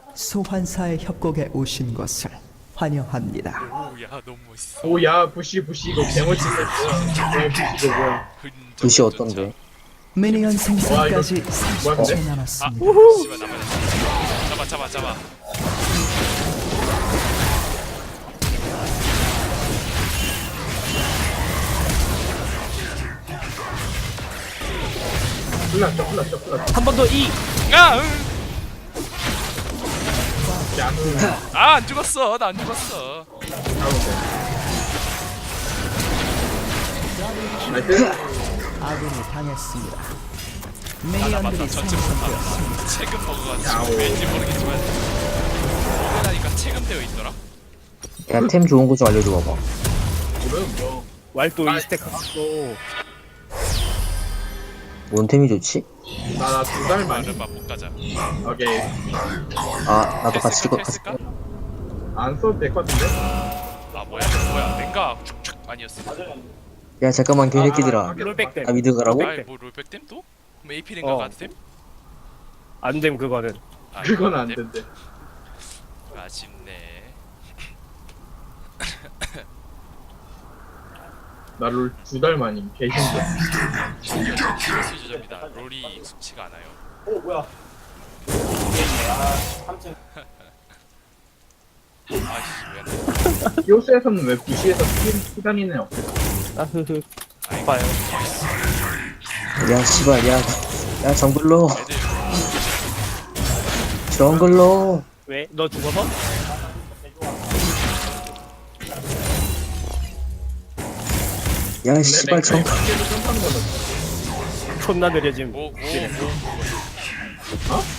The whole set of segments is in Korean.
소환사의 협곡에 오신 것을 환영합니다. 오야 너무 멋있어. 오야 부시 이거 개멋지 됐어. 부시 이거 뭐야? 뜻이 어떤데? 미니언 생성까지 뭐야, 근데? 30초 남았습니다. 씨발 남아. 잡아. 풀났어. 한 번 더 이. 야, 응. 야, 안 죽었어. 나 안 죽었어. 나이스. 아군이 당했습니다. 맞다. 미니언들이 전체 생성되었습니다. 체금 야오. 먹어가지고 왠지 모르겠지만 먹으라니까 체금되어 있더라. 야, 템 좋은 거 좀 알려줘 봐봐. 그럼 뭐 왈도 아, 2스택 갖고. 뭔 템이 좋지? 나 2달 만에. 말은 못 가자. 오케이. 아, 나도 같이 이거 했을까? 안 써도 될 것 같은데? 아 뭐야 랭가 축축 아니었어. 야, 잠깐만, 개새끼들아. 롤백 댐. 아, 미드 가라고? 아이 뭐 롤백댐 또? 그럼 AP 랭가 어. 가드댐? 안됨 그거는. 아, 그건 이거 안 됨? 된대. 아쉽네. 나를 2달 만임. 개신기야. 수주점이다. 롤이 익숙치가 않아요. 아이씨 왜 안 돼? 히오스에서는 왜 부시에서 피다니네 요 아흐흐. 아이고, 봐요. 야, 씨발, 야, 정글로. 애들 정글로. 왜? 너 죽어서? 야, 씨발, 정. 부시에서 점프하는 거는 존나 느려짐. 뭐 어?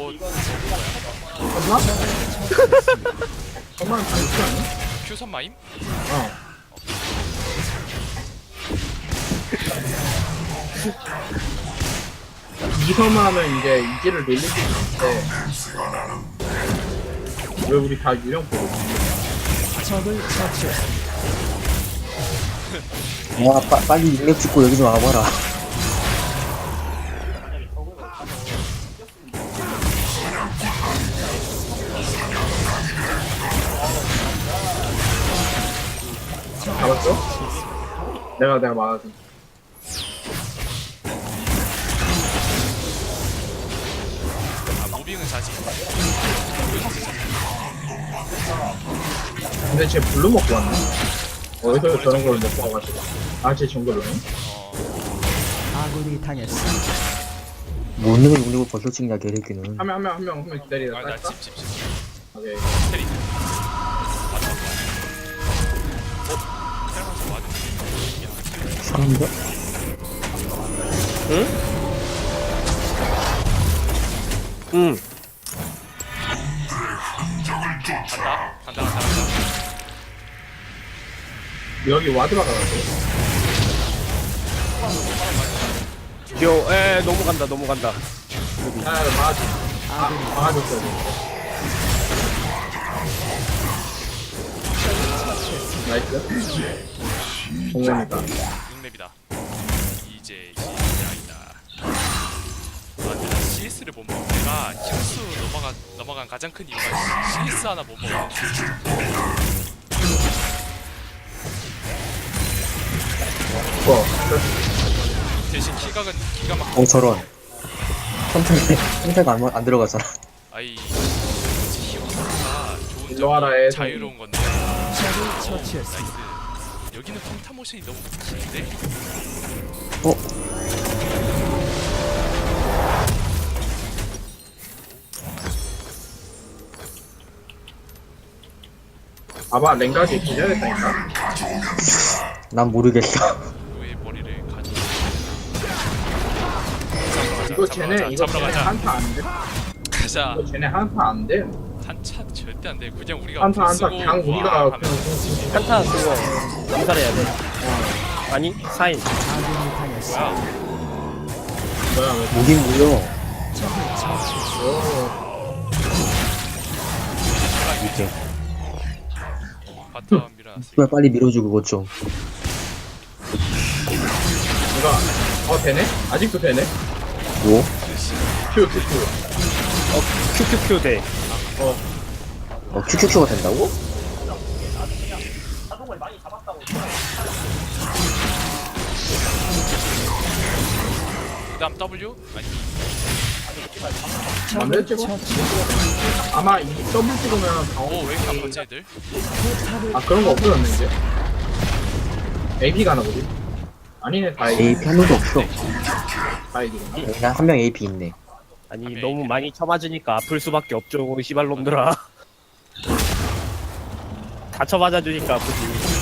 엄마? 엄마는 당신 아니야? 큐선 마임? 어. 이서만 하면 이제 이지를 놀릴 수 있는데 왜 우리 다 유령포로 적을 처치했습니다. 야, 빨리 인력 찍고 여기 좀 와봐라. 잡았어? 내가 막아서 아 무빙은 사지. 근데 쟤 블루 먹고 왔네 어디서 저런 걸 먹고 와가지고 쟤 정글로네? 아군이 당했습니다. 못 내고 울리고 벌써 찍냐, 개새끼는. 한 명 기다리다 아나 딸까? 찝. 오케이 테리. 맞다. 테라만서 맞은. 사람인가? 응. 간다. 여기 와드 박아가지고 넘어간다. 막아줘 막아줬어야 돼 나이스 공원이다 6렙이다. 이제 시작이다. 아 근데 나 CS를 못 먹어. 내가 히오스 넘어간 가장 큰 이유가 CS 하나 못 먹어. 대신 키각은 기가 막. 저런. 선택 안 들어가잖아. 아이 히오스가 좋은 일로 와라, 애. 점이 자유로운 건데. 적을 처치했습니다. 나이스. 여기는 평타 모션이 너무 긴데. 봐봐 랭가지 기다렸다니까 난 모르겠어. 왜 머리를 가져? 이거 쟤네 잡으러 가자. 한타 안돼 가자. 이거 쟤네 한타 안돼 한차 절대 안 돼. 그냥 우리가 한타 쓰고 그냥 우리가 와 그냥 하면 한타 그거 암살해야 돼. 아니 사인. 아군이 당했습니다. 뭐야? 뭐야 왜 무긴 물려. 적을 처치했습니다. 이렇게. 바텀 밀어놨어. 씨발, 빨리 밀어줘, 그것 좀. 이거 되네? 아직도 되네? 뭐? 큐 큐큐큐 돼. QQQ가 된다고? 그다음 W? 아니 만들 찍어? 아마 이 더블 찍으면 오왜 이렇게 아파지 애들? 아 그런 거 없어졌네 이제. AP가 하나 보지? 아니네 다 AP. AP 한 명도 없어. 다 AP구나. 그냥 한 명 AP 있네. 아니 너무 많이 쳐맞으니까 아플 수밖에 없죠 씨발놈들아. 다 쳐맞아주니까 아프지.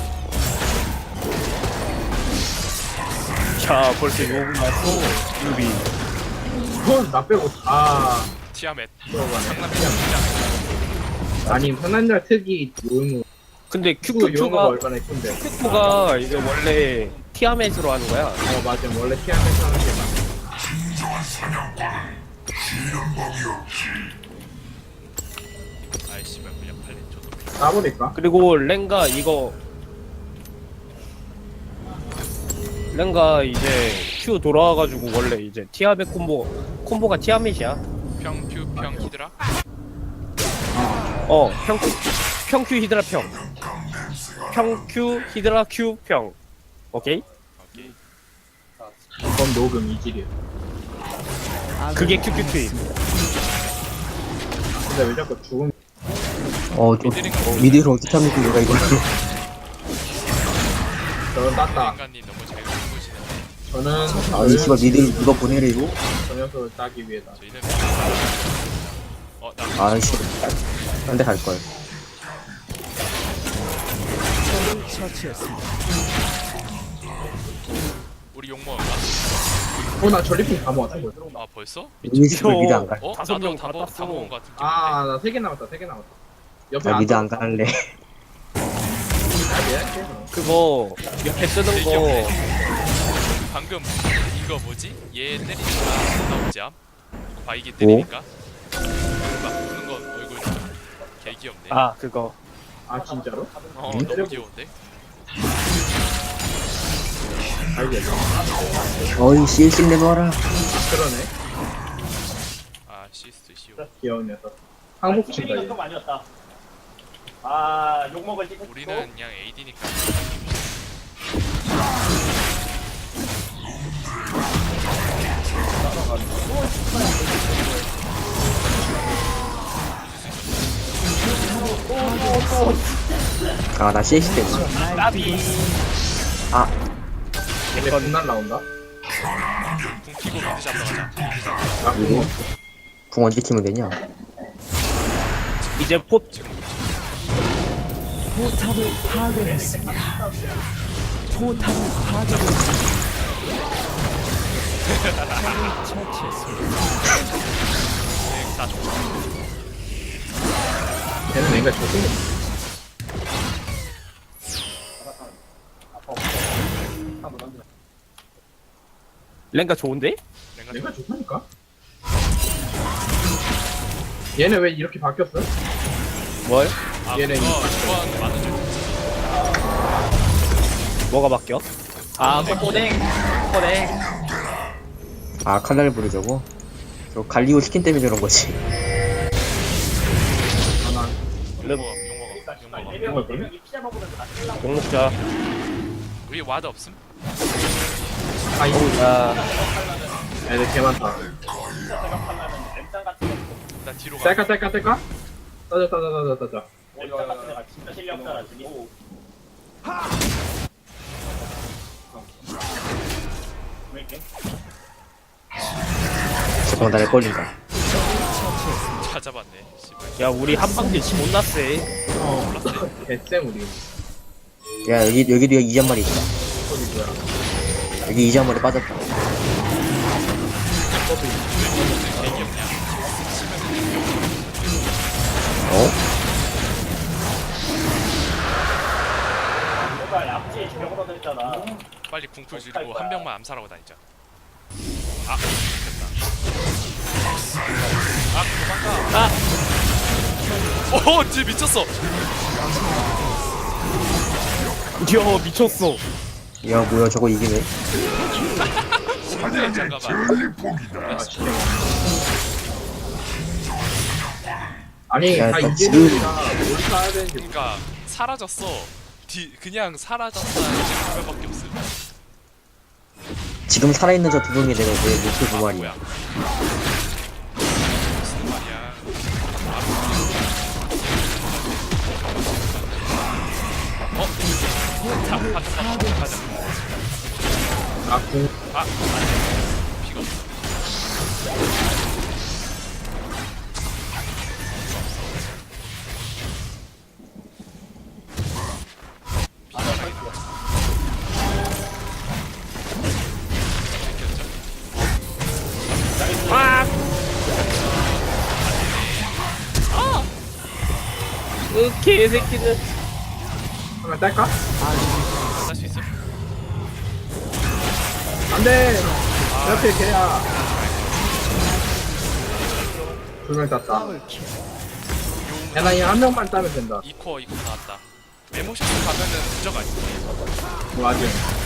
자 벌써 욕을 났어 유비. 나 빼고 다 티아멧 들어가네. 상남 티아멧 아니 상남자 특이 요용 근데 큐 요용가 QQQ가 얼마나 예쁜데. QQ가 이제 원래 티아멧으로 하는 거야. 맞아 원래 티아멧 하는 게 맞아. 아이 씨발 그냥 팔린 저도 까버릴까? 그리고 랭가 이거 랭가 이제 Q 돌아와가지고 원래 이제 티아멧 콤보가 티아멧이야. 평큐 평 히드라? 평큐 히드라 평큐 히드라 Q 평. 오케이? 오케이 그건 녹음 이질이야. 그게 QQQ임. 근데 왜 자꾸 죽음? 미드를 어떻게 하면 내가 이걸. 저는 땄다. 인간님 너무 잘 보시는데 저는 아니, 씨발, 미드를 누가 보내래요? 저 녀석을 따기 위해다. 저희는 나 아이씨. 딴 데 갈걸. 적을 처치했습니다. 우리 욕먹을까? 나 전리품 다 모았다. 이거. 아 벌써? 우리 집을 미드 안 갈. 어? 다섯 나도 명 다 받았어. 먹은 거 같은 기분인데 나 3개 남았다. 3개 남았다. 옆에 나 미드 안 안 갈래. 그거 옆에 뜨는 거 방금 이거 뭐지? 얘 때리니까 나오지 암? 바이기 때리니까 막 부는 건 얼굴 개 귀엽네 아 그거 아 진짜로? 너무 귀여운데? 알겠어. 어이, CS 내놔라. 그러네. 아 시스트 시오 귀여운 녀석. 항복 친다. 얘. 아니었다. 아 욕먹을 때 우리는 그냥 AD니까 아, 나 CS 때문에. 까비. 아, 얘네 분날 나온다. 궁 키고 미드 잡으러 가자 아 그거. 궁 언제 키면 되냐? 이제 포 포탑을 파괴했습니다. 포탑을 파괴했습니다. 적을 처치했습니다. 다 좋아 걔는 내가 좋고. 랭가 좋은데? 내가 좋다니까. 얘네 왜 이렇게 바뀌었어? 뭘? 아 얘네 그거 좋아하는 게 많은 줄 뭐가 바뀌어? 아 꼬댕 꼬댕. 아, 칼날 부르자고? 저 갈리오 스킨 때문에 저런 거지. 하나. 욕먹어 이걸 그래? 욕 먹자. 우리 와드 없음? 아 이거 야 애들 개 많다. 나 뒤로 가 짤까? 따자. 잠깐만, 나를 걸린다. 찾아봤네 씨발 야 우리 한방들 존나 세. 개쌤 우리. 야, 여기도 2잔말이 있다. 거기 뭐야? 여기 2잔말이 빠졌다. 개 귀엽냐 어? 빨리 궁풀 줄이고 한 명만 암살하고 다니자 아 됐다 아 도망가 오 뒤에 미쳤어 야 미쳤어. 야, 뭐야, 저거 이기네. 잠깐만 아니 야, 다 나 이제 지금- 우리가 뭘 사야 되는지 그러니까 사라졌어. 그냥 사라졌다 이제 화면밖에 없음. 지금 살아있는 저 두 명이 내가 내 목표 두 마리야. 뭐야? 무슨 말이야? 가자. 아궁 아, 피가 없어. 개새끼들. 하나 딸까? 할수 있어? 안돼 옆에 걔야 두 명 땄다 더블킬. 야나 이한 명만 따면 된다 이코 나왔다. 메모션스 가면은 부적 아니야? 뭐 아직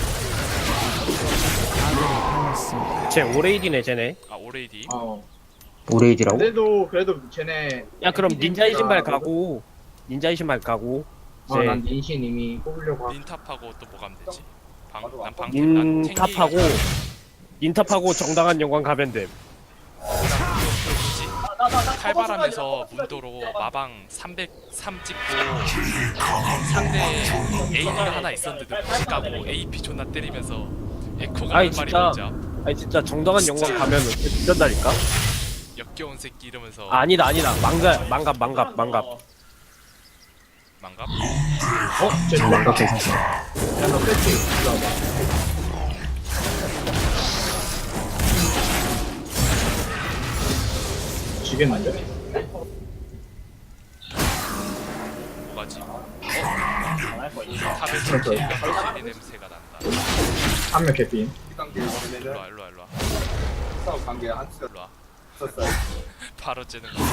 아군이 당했습니다. 쟤 오레이디네 쟤네. 아 오레이디. 오레이디라고? 그래도 쟤네 야 그럼 닌자의 신발 가고. 닌자의 신발 가고. 난 닌신 이미 뽑으려고 닌탑하고 또 뭐 가면 되지? 난 방템 난 닌탑하고 닌탑하고 정당한 영광 가면 됨. 뭐지? 칼바람에서 문도로 마방 303 찍고 상대 AP가 하나 있었는데 무시 까고 AP 존나 때리면서 에코가 아이, 한 마리 진짜. 먼저 아니 진짜 정당한 영광 가면은 진짜다니까. 역겨운 새끼 이러면서 아니다 망갑. 망갑? 쟤 누가 망각 괜찮어. 야너 뺐지? 이리 와봐 지겠는데? 뭐가지? 탑에서 jel리 냄새가 난다. 한명 개핀 일로와 일로와 바로 째는 거.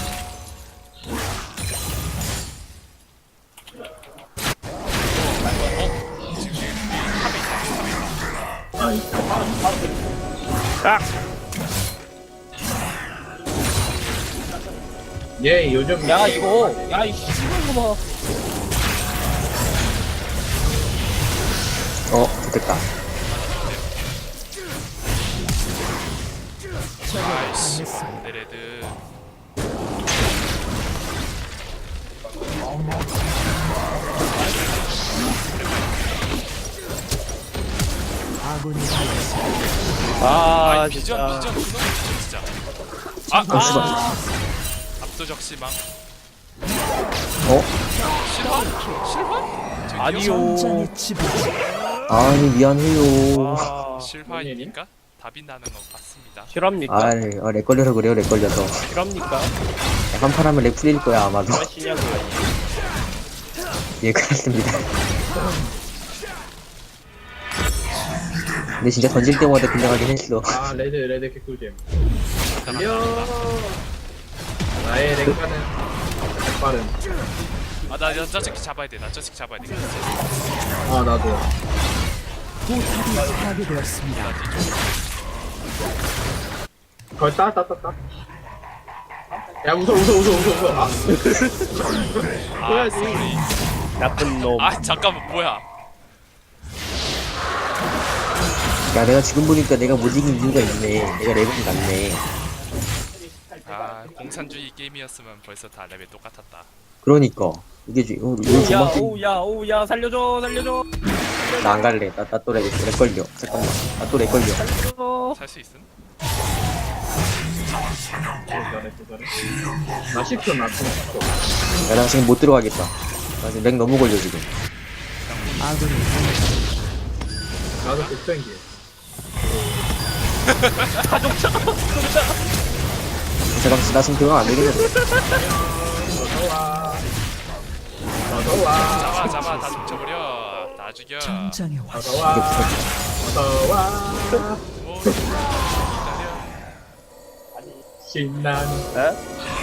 아 얘 요즘 야 이거 야이 씨발 봐. 좋겠다. 아이씨 당했습니다. 내 레드. 아군이 당했습니다. 아 아이 비전 진짜. 그놈의 비전 진짜. 아 씨발. 압도적 실망. 어? 실화? 저기요? 아니요. 전장의 지배자. 아니, 미안해요. 아, 실화이니까 답이 나는 것 같습니다. 실합니까? 렉 걸려서 그래요, 렉 걸려서. 실합니까? 한판 하면 렉 풀릴 거야, 아마도. 하시냐고. 예, 그렇습니다. 근데 진짜 던질 때마다 긴장하긴 했어. 레드 개꿀잼 잠깐만. 달려 나의 랭가는 빠른 아나 저 새끼 잡아야 돼. 나 저 새끼 잡아야 돼. 나도 포탑이 파괴되었습니다. 거의 따 야 웃어 아 쏘리. 나쁜 놈. 아 잠깐만 뭐야? 야, 내가 지금 보니까 내가 못 이긴 이유가 있네. 내가 렉이 났네. 아 공산주의 게임이었으면 벌써 다 레벨 똑같았다. 그러니까. 이게 이거 야, 조만 오야, 살려줘. 나안 갈래. 나 또 렉 걸려. 잠깐만. 나 또 렉 걸려. 살 수 있음? 잘해 나 10초 야, 나 지금 못 들어가겠다. 나 지금 렉 너무 걸려, 지금. 아군이 당했습니다. 나도 복생기 잠깐, 나 지금 들어가면 안 되겠는데. 어서와 잡아 다 훔쳐버려. 다 죽여. 전장의 화신. 어서와 오 기다려. 신나는 에?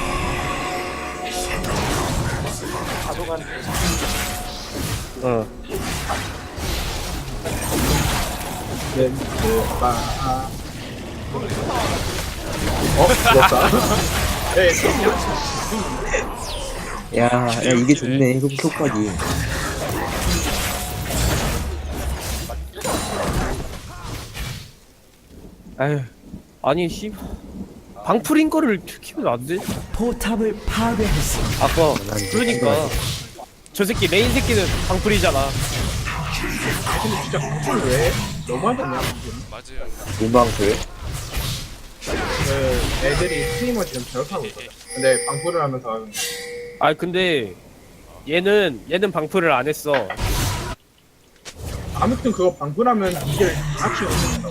응. 렌즈바 죽었다 예, 템이야. 야 이게 좋네 효과기. 아휴. 아니, 씨. 방풀인 거를 키면 안 돼? 포탑을 파괴했습니다. 아까, 그러니까. 저 새끼, 메인 새끼는 방풀이잖아. 근데 진짜 방풀 왜 해? 너무하지 않냐? 맞아요. 문방풀. 그 애들이 스트리머 지금 저렇게하고 있거든. 근데 방풀을 하면서 하는 거야. 아, 근데, 얘는 방풀을 안 했어. 아무튼 그거 방풀하면 이게 악취가 없는다고.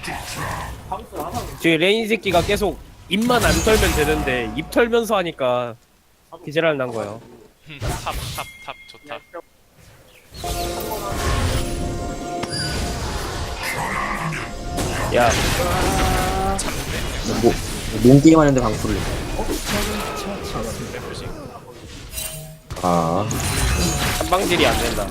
지금 레인 새끼가 계속 입만 안 털면 되는데, 입 털면서 하니까, 기절할 난 거예요. 탑 좋다. 야, 뭐 몸게임 하는데 방풀을. 래프식. 아 한방질이 안 된다.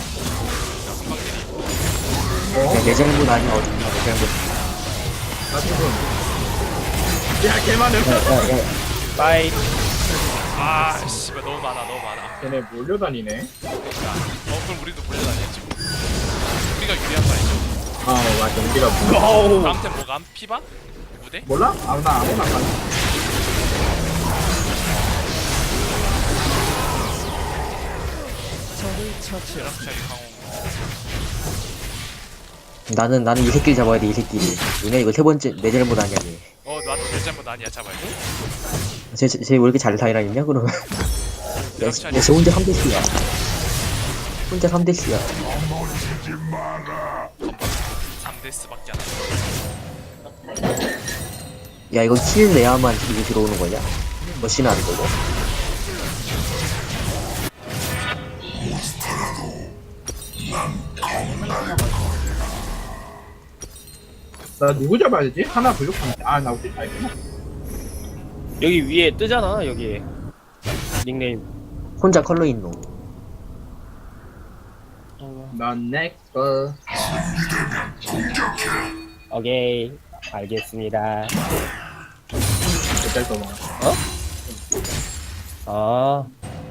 내 잘못 아니야 어딘가 내 잘못. 나 지금 야 개많음. 야야야 빠이. 아 씨발 너무 많아. 걔네 몰려다니네. 그럼 우리도 몰려다녀 지금. 우리가 유리한 거 아니죠? 아 맞아 우리가 몰라. 어우. 다음 템 뭐가? 피바? 무대? 몰라? 나 아무나 가. 벼락차기 강호. 나는 이 새끼를 잡아야 돼 이 새끼를. 누나 이거 세 번째 내 잘못 아니야 얘. 나도 내 잘못 아니야 잡아야 돼. 쟤왜 이렇게 잘 살아있냐 그러면. 벼락차기. 야쟤 혼자 3대씩이야. 혼자 3대씩이야. 3데스밖에 안 해. 야 이거 킬 내야만 이게 들어오는 거냐? 머신은 안 되고. 나 누구 잡아야 되지? 하나 부족한데. 나 우리 다 있구나. 여기 위에 뜨잖아, 여기. 닉네임. 혼자 컬러 있노. 넌 넥스. 오케이. 알겠습니다. 몇달 더 먹어. 아.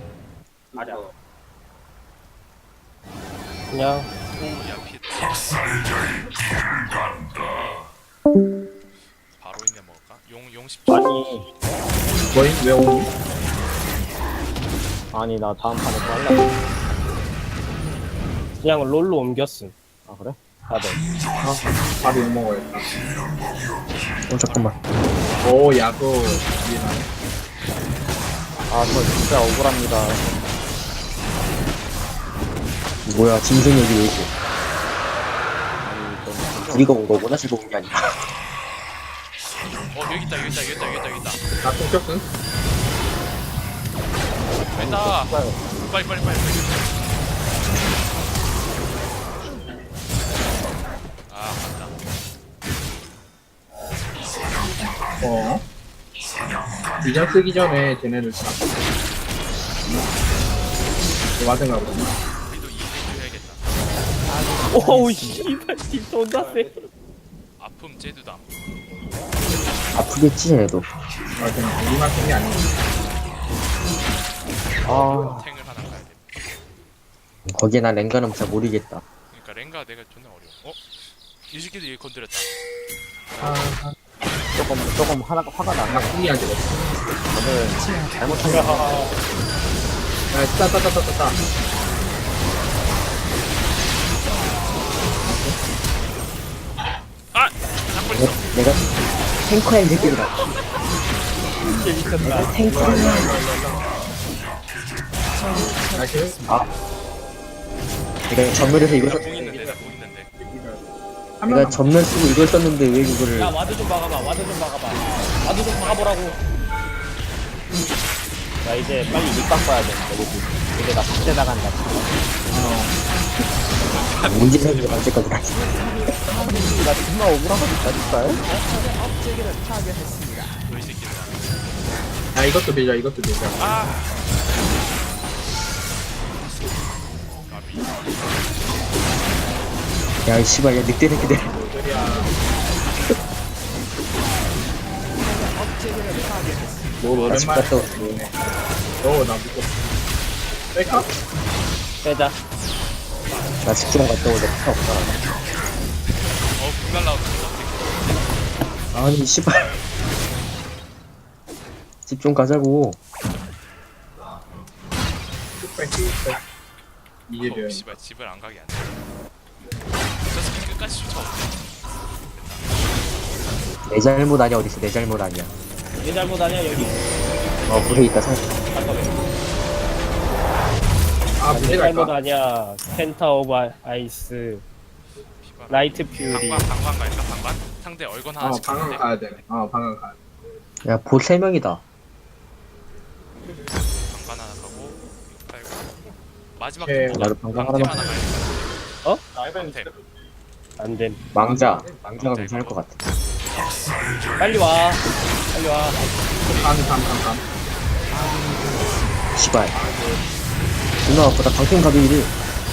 그냥, 오야 핏. 바로 있네 먹을까? 용 10초. 아니. 뭐임? 왜 오니? 아니, 나 다음 판에 또 할라. 그냥 롤로 옮겼음. 아, 그래? 다들. 바로 욕 먹어야겠다. 잠깐만. 오 야구 미나네. 아, 저 진짜 억울합니다. 뭐야 짐승 여기 왜 있고. 우리가 온 거구나 지금 온 게 아니라. 여기 있다. 나 통켰음? 된다. 빨리. 아 맞다. 비전 쓰기 전에 쟤네를 다 맞은가 보다. 우리도 이제 해야겠다. 오우, 씨발, 팀 존나 세. 아픔 제두다. 아프겠지 쟤네도. 쟤네 우리만 쓴 게 아니야. 아 탱을 하나 가야 돼. 거기에 난 랭가는 잘 모르겠다. 그러니까 랭가 내가 존나 어려워. 이 새끼도 얘 건드렸다. 조금 화가 나. 나 꿈이야지. 잘못한 거. 야, 따따따따따. 잡고 있어. 내가 탱커야 이 새끼들아. 내가 탱커야. 나이스. 내가 전멸해서 이걸 나 썼. 공 있는데. 내가 전멸 쓰고 이걸 썼는데 왜 이거를. 야, 와드 좀 박아봐. 와드 좀 박아보라고. 나 이제 빨리 밑밥 봐야 돼. 이제 나 박대 나간다. 문제 생기면 언제까지 가지. 나 정말 억울하거든, 업체계를 파괴했습니다. 너이 새끼들. 야, 이것도 밀자. 아. 까비. 야, 이 씨발, 야, 늑대 새끼들. 소리야. 업체계를 파괴했습니다. 뭐 집 오랜만에. 갔다 오네. 나 믿고. 뺄까? 빼자. 나 집 좀 갔다 오자. 필요 없다. 불날 나오는 거 아니, 씨발. 집 좀 가자고. 쭉 빼. 이게 어, 면 씨발 집을 안 가게 안 돼. 저 새끼 끝까지 쫓아오네. 내 잘못 아니야, 어딨어. 내 잘못 아니야. 내 잘못 아니야 여기. 물에 있다, 살. 잠깐만. 아, 내 문제 잘못 갈까? 아니야. 센터 오브 아이스. 피바라. 라이트 퓨리. 방관 갈까 방관? 상대 얼건 하나 방금 찍혔는데 가야 돼. 방금 가야 돼. 야, 보 3명이다. 방관 하나 가고 빨고 마지막 오케이. 템포가 나도 방관 방템 하나만 하나 가야겠다. 어? 방템. 안 됨. 망자가 괜찮을 것 같아. 빨리 와. 빨리 와. 감. 씨발. 누나, 보다 방팀 가비를.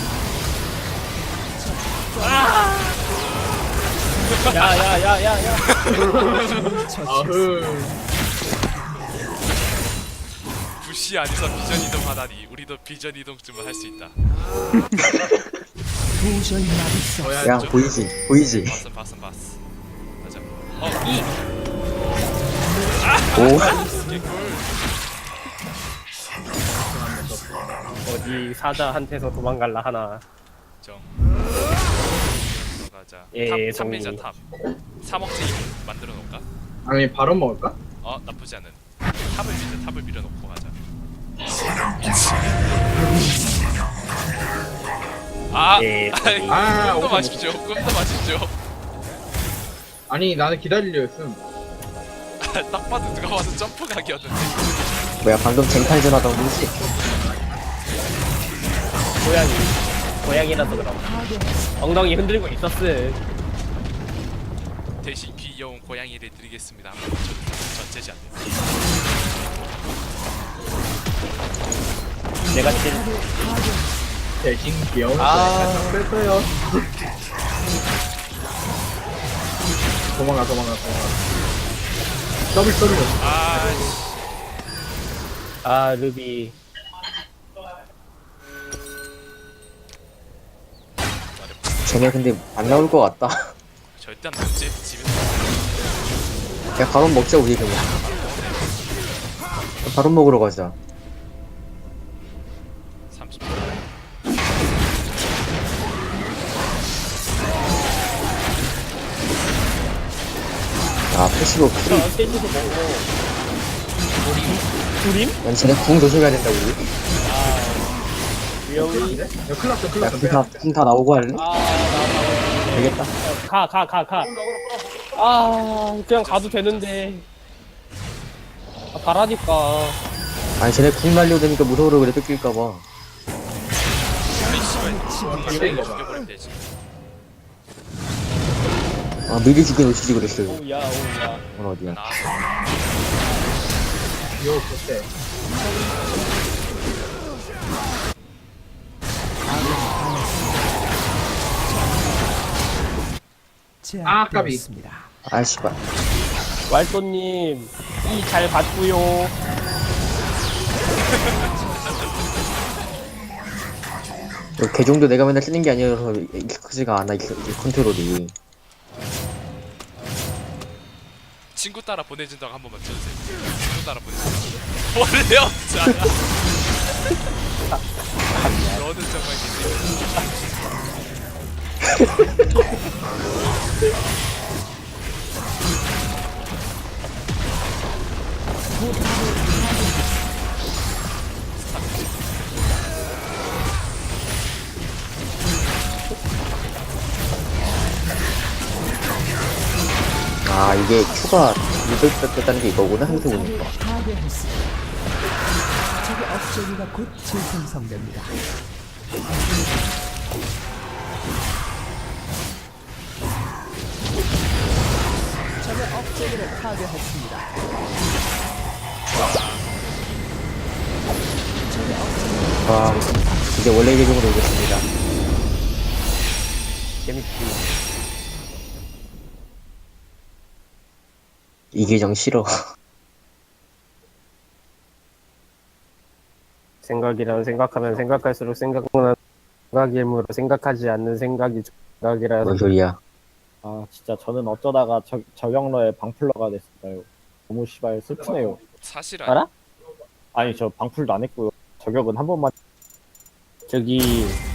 야야야야야. 아흐. 부시 안에서 비전 이동하다니 우리도 비전 이동쯤은 할 수 있다. 도저히 막을 수 없어. 야, 보이지? 봤음. 맞아. 오, 어디 사자한테서 도망갈라 하나. 정. 가자. 예, 탑 밀자 동의. 탑. 3억째 만들어 놓을까? 아니, 바로 먹을까? 나쁘지 않은. 탑을 밀어 놓고 가자. 예, 동의. 꿈도 오케이. 마십시오. 꿈도 마십시오. 아니, 나는 기다리려 했음. 딱 봐도 누가 봐도 점프 각이었는데. 뭐야, 방금 쟁탈전 하던 거지? 고양이라서 그럼. 엉덩이 흔들고 있었음. 대신 귀여운 고양이를 드리겠습니다. 전체지 않네. 내가 친. 대신 귀여운 아. 뺐어요. 도망가. 더블. 아 루비. 쟤네 근데 안 나올 것 같다. 절대 안 먹지. 집에서 야, 바로 먹자, 우리 그냥. 바로 먹으러 가자. 30분. 야, 패시브 프리. 셋이서 먹고. 두림? 난 쟤네 궁 조심해야 된다, 우리. 위험이. 야, 큰일 났어. 야, 궁다 나오고 할래? 아, 되겠다. 가. 아, 그냥 가도 되는데. 가라니까. 아니, 쟤네 궁 날려대니까 무서워서 그래, 뺏길까봐. 아이 씨발. 반대인 거 봐. 죽여버리면 되지. 미리 죽여놓으시지 그랬어요. 오야. 넌 어디야? 나 귀여워, 좋대. 제압되었습니다. 아, 씨발. 왈도님, 이 잘 봤구요. 걔 정도 내가 맨날 쓰는 게 아니어서 익숙하지가 않아, 이 컨트롤이. 친구 따라 보내준다고 한 번만 쳐주세요. 친구 따라 보내준다고. 원래 없잖아. 너는 정말 기대해. 아, 이게 Q가 이걸 뺐다는 게 이거구나, 생각해보니까. 파괴했습니다. 적의 업적이가 곧 재생성됩니다. 적의 업적이를 파괴했습니다. 적의 업적이를 와, 이제 원래 계정으로 오겠습니다. 재밌지. 이 계정 싫어. 생각이란 생각하면 생각할수록 생각나는 생각이므로 생각하지 않는 생각이 생각이라. 뭔 소리야? 아 진짜 저는 어쩌다가 저격러의 방풀러가 됐을까요? 너무 씨발 슬프네요. 사실 알아? 아니 저 방풀도 안 했고요. 저격은 한 번만. 저기